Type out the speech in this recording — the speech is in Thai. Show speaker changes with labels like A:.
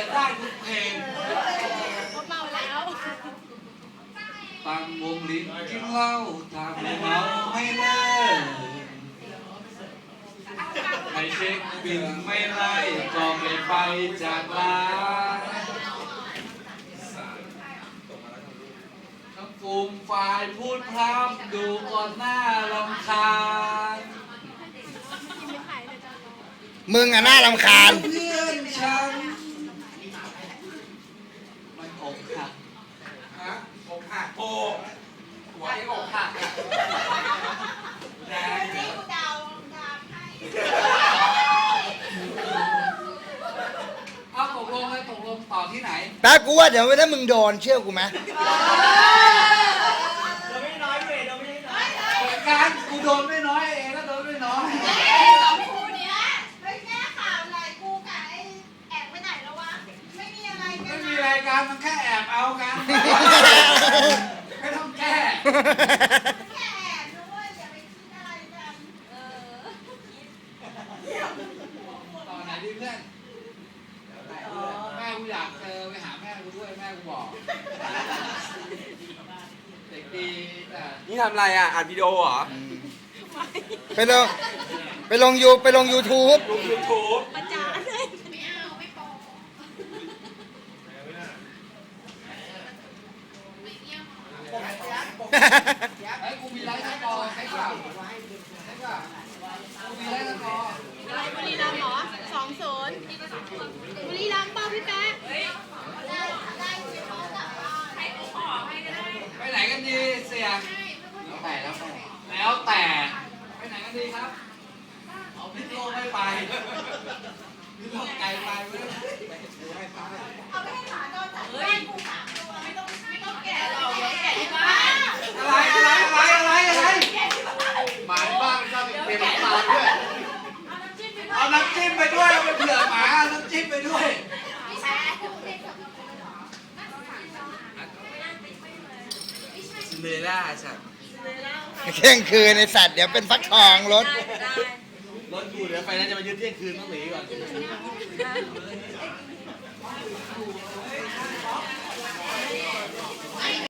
A: ได้ทุกเพลง
B: เขาเมาแล้ว
A: ตั้งวงลิ้นกินเหล้าทำให้เมาไม่เลิกไม่เช็คบินไม่ไล่ก็ไม่ไปจากร้านทั้งฟูมฝ่ายพูดพร่ำดูก่อนหน้ารำคาญ
C: มึงอะน่ารำคาญ
A: เพื่อนฉันมันอกหักฮะอกหักโอ้หัวไอ้อกหักอะแรงเกินเอาตกลงเลยตกลงต่อที่ไหน
C: แป๊บกูว่าเดี๋ยวถ้ามึงโดนเชื่อกูไหม
D: เราไม่น้อยเว้ยเราไม่น้อย
A: เหมือนกันกูโดนไม่น้อยเองก็โดนไม่น้อย
B: สองคู่เนี้ยเฮ้ยแก้ข่าวอะไรกูกับไอ้แอบไปไหนแล้ววะ ไม่มีอะไรกั
A: ไม่
B: น
A: มีรายการมันแค่แอบเอากันไม่ต้องแก้
B: แค่แอบด้วยอย่าไปคิดอะไรกัน
A: ต่อไหนดีเพื่อนแม่กูอยากเจอไปหาแม่กูด้วยแม่กูบอกเด็กดีแต่
D: นี่ทำอะไรอ่ะอัดวิดีโอเหรอ
C: ไปลงไปลงยูทูบ
D: ลงยูทูบ
B: ประจานเลยไม่เอาไม่โป
A: ไอ้กูมีไลฟ์สกอร์ใช่ป่ะใช่ป่ะกูมีไลฟ์สกอร์
B: บุรีรัมย์เหรอ2-0บุรีรัมย์เปล่าพี่แป๊ะได้คุยเขากลับบ้านให้เขาขอให้ก็ได้
A: ไปไหนกันดีเสียงแล้วแต่ไปไหนกันดีครับเอาพิษโลกไม่ไปพิษโลกไกลไปไม่ได้
B: เอาไปให้หมาโดนจัดบ้านกู3 ตัวไม่ต้องแกะหรอกแกะที่บ้าน
A: อะไรหมาที่บ้านมันชอบเป็นน้ำตาลด้วย เอาน้ำจิ้มไปด้วยเอาไปเผื่อหมาเอาน้ำจิ้มไปด้วย
D: ซินเดอเรลล่าสัตว์
C: เที่ยงคืนในสัตว์เดี๋ยวเป็นฟักทองรถ
D: รถกูเดี๋ยวไฟนั้นจะมายึดเที่ยงคืนต้องหนีก่อน
A: เฮ้